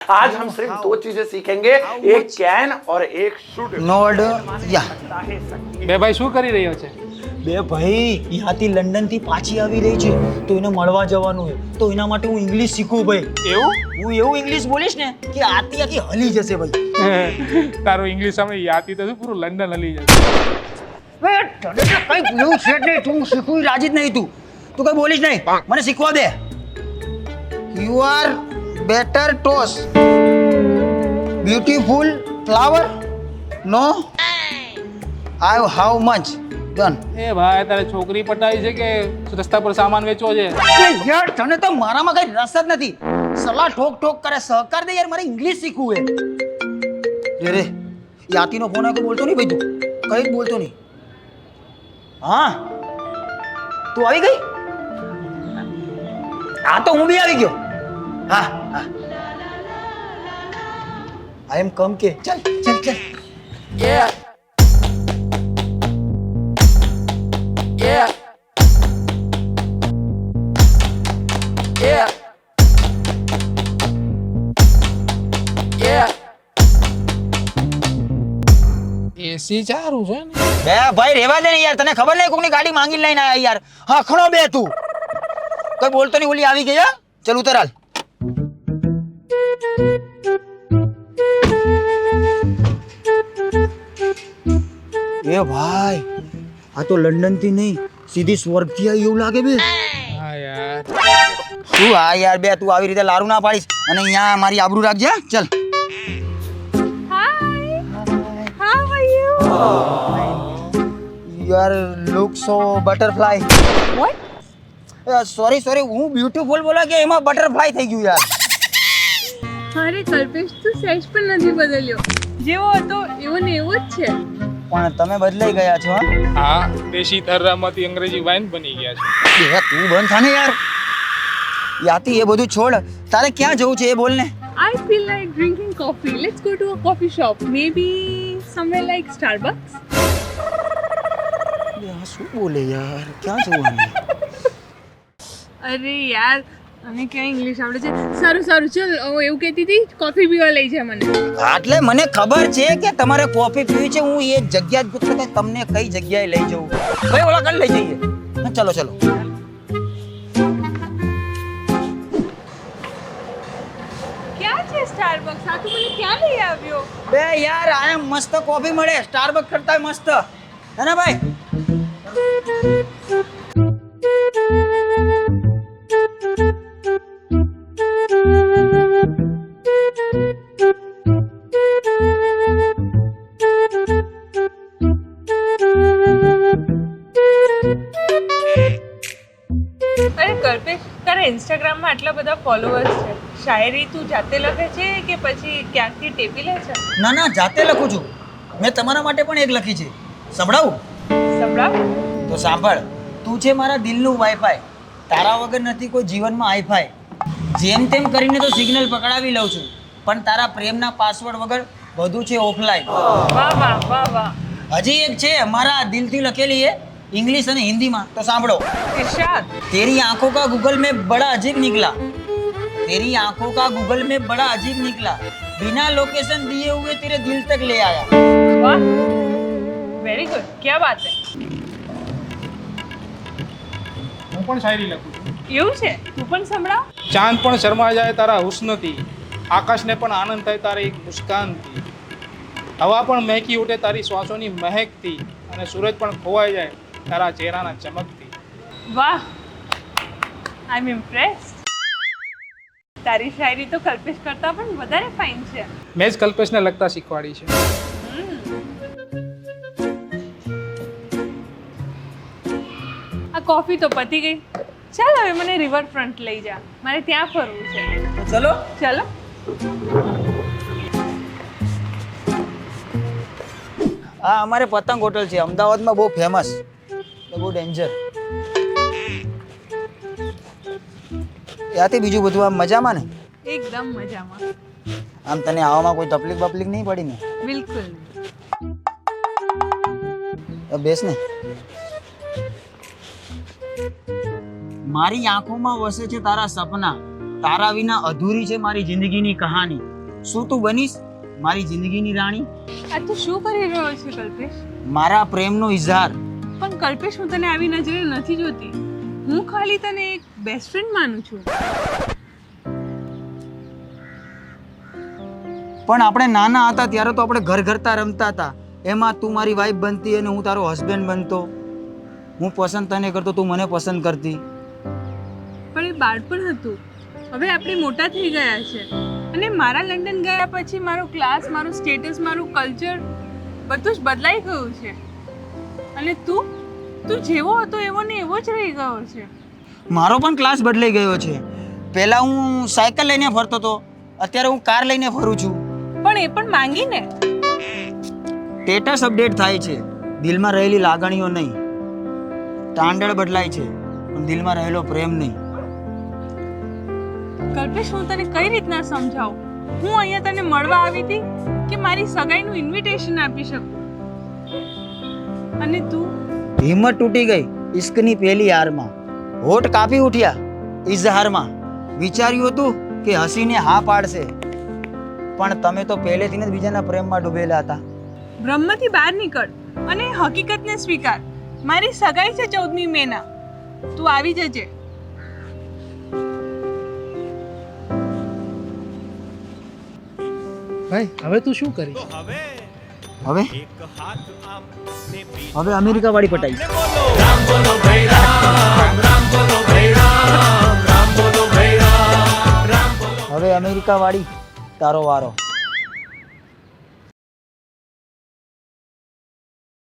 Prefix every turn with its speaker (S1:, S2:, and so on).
S1: आज हम सिर्फ 2 चीजें सीखेंगे, एक कैन और एक शुड।
S2: નો ઓર્ડર યા
S3: બે ભાઈ શું કરી રહ્યો છે?
S2: બે ભાઈ ત્યાંથી લંડનથી પાછી આવી રહી છે તો એને મળવા જવાનું છે તો એના માટે હું ઇંગ્લિશ શીખું ભાઈ.
S3: એવું?
S2: હું એવું ઇંગ્લિશ બોલીશ ને કે આખી હલી જશે ભાઈ.
S3: તારું ઇંગ્લિશ સામે યાતી તો પૂરું લંડન હલી જશે.
S2: બે તને તો કંઈ એવું છે જ નહીં, તું શીખવું રાજી જ નહીં. તું કંઈ બોલીશ નહીં, મને શીખવા દે. You are better toss beautiful flower know I how much done.
S3: એ ભાઈ તારે છોકરી પટાવી છે કે રસ્તા પર સામાન વેચવો છે?
S2: યાર તને તો મારામાં કઈ રસ જ નથી. સલાહ ઠોક ઠોક કરે, સહકાર દે યાર, મારે ઇંગ્લિશ શીખવું છે. રે યાતીનો ફોન આવ્યો, બોલતો નહીં ભાઈ, તું કઈ જ બોલતો નહીં. હા તું આવી ગઈ? હા તો હું બી આવી ગયો. હા હા આઈ એમ કમ કે ચલ ચલ ચલ.
S3: એસી ચારું છે ને?
S2: બે ભાઈ રેવા દે ને યાર, તને ખબર નહીં કોકની ગાડી માંગી લઈને આયા યાર. હા ખણો બે તું કઈ બોલતો નહીં. ઓલી આવી ગઈ. હા ચલ ઉતર હાલ. એ ભાઈ આ તો લંડન થી નહીં સીધી સ્વર્ગ થી આવી એવું લાગે બે.
S3: હા યાર.
S2: શું હા યાર બે તું આવી રીતે લારું ના પાડીશ અને અહીંયા મારી આબરૂ રાખજે. હા? ચલ. You are look so butterfly.
S4: What?
S2: Sorry હું બ્યુટીફુલ બોલા કે એમાં બટરફ્લાય થઈ ગયું યાર.
S4: અરે કલ્પેશ તું સહેજ પણ નથી બદલ્યો, જેવો હતો એવો ને એવો જ છે.
S2: પણ તમે બદલાઈ ગયા છો.
S3: હા દેશી થર્રામાંથી અંગ્રેજી વાઇન બની ગયા છે.
S2: એ તું બંધ થા ને યાર. યાતી એ બધું છોડ, તારે ક્યાં જવું છે એ બોલ ને.
S4: I feel like drinking coffee. Let's go to a coffee shop. Maybe somewhere like Starbucks.
S2: યાર શું બોલે યાર, ક્યાં જવું?
S4: અરે યાર અમે ક્યાં ઇંગ્લિશ આવડે છે. સારું ચલ હું એવું કહેતી હતી કોફી પીવા લઈ જા મને.
S2: એટલે મને ખબર છે કે તમારે કોફી પીવી છે. હું એ જગ્યા જ પૂછતો કે તમને કઈ જગ્યાએ લઈ જવું. ભાઈ ઓલા કઈ લઈ જઈએ. ચલો
S4: ક્યાં છે સ્ટારબક્સ? આ તું મને ક્યાં લઈ આવ્યો?
S2: બે યાર આ મસ્ત કોફી મળે સ્ટારબક્સ કરતા મસ્ત હે ને ભાઈ.
S4: અરે કલ્પેશ તારા ઇન્સ્ટાગ્રામમાં આટલા બધા ફોલોઅર્સ છે, શાયરી તું જાતે લખે છે કે પછી ક્યાંકથી ટેપી લે છે?
S2: ના જાતે લખું છું. મેં તમારા માટે પણ એક લખી છે, સંભળાવું?
S4: સંભળાવ.
S2: તો સાંભળ. તું છે મારા દિલનું વાઈફાઈ, તારા વગર નથી કોઈ જીવનમાં હાઈફાઈ. જેમ તેમ કરીને તો સિગ્નલ પકડાવી લઉં છું, પણ તારા પ્રેમના પાસવર્ડ વગર બધું છે ઓફલાઈન.
S4: વાહ.
S2: હજી એક છે મારા દિલથી લખેલી है इंग्लिश અને હિન્દીમાં, તો સાંભળો.
S4: ઇરશાદ.
S2: तेरी आंखों का गूगल में बड़ा अजीब निकला, तेरी आंखों का गूगल में बड़ा अजीब निकला, बिना लोकेशन दिए हुए तेरे दिल तक ले आया.
S4: વાહ વેરી ગુડ, ક્યા બાત હે.
S3: હું પણ શાયરી લખું છું.
S4: એવું છે? તું પણ સંભળાવ.
S3: ચાંદ પણ શરમા જાય તારા હુસ્નથી, આકાશને પણ આનંદ થાય તારી એક મુસ્કાનથી, હવા પણ મહેકી ઉઠે તારી શ્વાસોની મહેકથી, અને સૂરજ પણ ખોવાઈ જાય તારા ચહેરાના ચમકથી.
S4: વાહ આઈ એમ ઇમ્પ્રેસ્ડ. તારી શાયરી તો કલ્પેશ કરતા પણ વધારે ફાઇન છે.
S3: મેં જ કલ્પેશને લખતા શીખવાડી છે.
S4: આ કોફી તો પતી ગઈ. ચાલ હવે મને રિવરફ્રન્ટ લઈ જા, મારે ત્યાં ફરવું છે.
S2: તો ચલો.
S4: ચાલો.
S2: આ અમારે પતંગ હોટલ છે અમદાવાદમાં, બહુ ફેમસ, બહુ ડેન્જર. ત્યાંથી બીજું બધું આમ મજામાં ને?
S4: એકદમ મજામાં.
S2: આમ તને આવવામાં કોઈ તકલીફ નહીં પડી ને?
S4: બિલકુલ.
S2: બેસ ને. મારી આંખોમાં વસે છે તારા સપના, તારા વિના અધૂરી છે મારી જિંદગીની કહાની. શું તું બનીશ મારી જિંદગીની રાણી?
S4: આ તું શું કરી રહ્યો છે કલ્પેશ?
S2: મારા પ્રેમનો ઇઝહાર.
S4: પણ કલ્પેશ, હું તને આવી નજરે નથી જોતી. હું ખાલી તને એક બેસ્ટ ફ્રેન્ડ માનું છું.
S2: પણ આપણે નાના હતા ત્યારે તો આપણે ઘર ઘરતા રમતા હતા. એમાં તું મારી વાઈફ બનતી અને હું તારો હસબન્ડ બનતો. હું પસંદ તને કરતો, તું મને પસંદ કરતી.
S4: પણ એ બાળપણ હતું. હવે આપણે મોટા થઈ ગયા છે અને મારા લંડન ગયા પછી મારો ક્લાસ, મારું સ્ટેટસ, મારું કલ્ચર બધું જ બદલાઈ ગયું છે. અને તું જેવો હતો એવો ને એવો જ રહી ગયો છે.
S2: મારો પણ ક્લાસ બદલાઈ ગયો છે. પહેલા હું સાયકલ લઈને ફરતો હતો, અત્યારે હું કાર લઈને ફરું છું.
S4: પણ એ પણ માંગીને.
S2: સ્ટેટસ અપડેટ થાય છે, દિલમાં રહેલી લાગણીઓ નહીં. સ્ટાન્ડર્ડ બદલાય છે પણ દિલમાં રહેલો પ્રેમ નહીં.
S4: કલ્પેશ, હું તને કઈ રીતના સમજાવું? હું અહીંયા તને મળવા આવી હતી કે મારી સગાઈનું ઇન્વિટેશન આપી શકું? અને તું
S2: હિંમત તૂટી ગઈ ઇશ્કની પહેલી હારમાં. હોઠ કાપી ઉઠ્યા ઇઝહારમાં. વિચાર્યું હતું કે હસીને હા પાડશે, પણ તમે તો પહેલેથી જ બીજાના પ્રેમમાં ડૂબેલા હતા.
S4: બ્રહ્મથી બહાર નીકળ અને હકીકતને સ્વીકાર. મારી સગાઈ છે 14મી મેના. તું આવી જજે.
S3: ભાઈ હવે તું શું કરીશ?
S2: હવે હવે અમેરિકા વાળી પટાઈ. હવે અમેરિકા વાળી તારો વારો.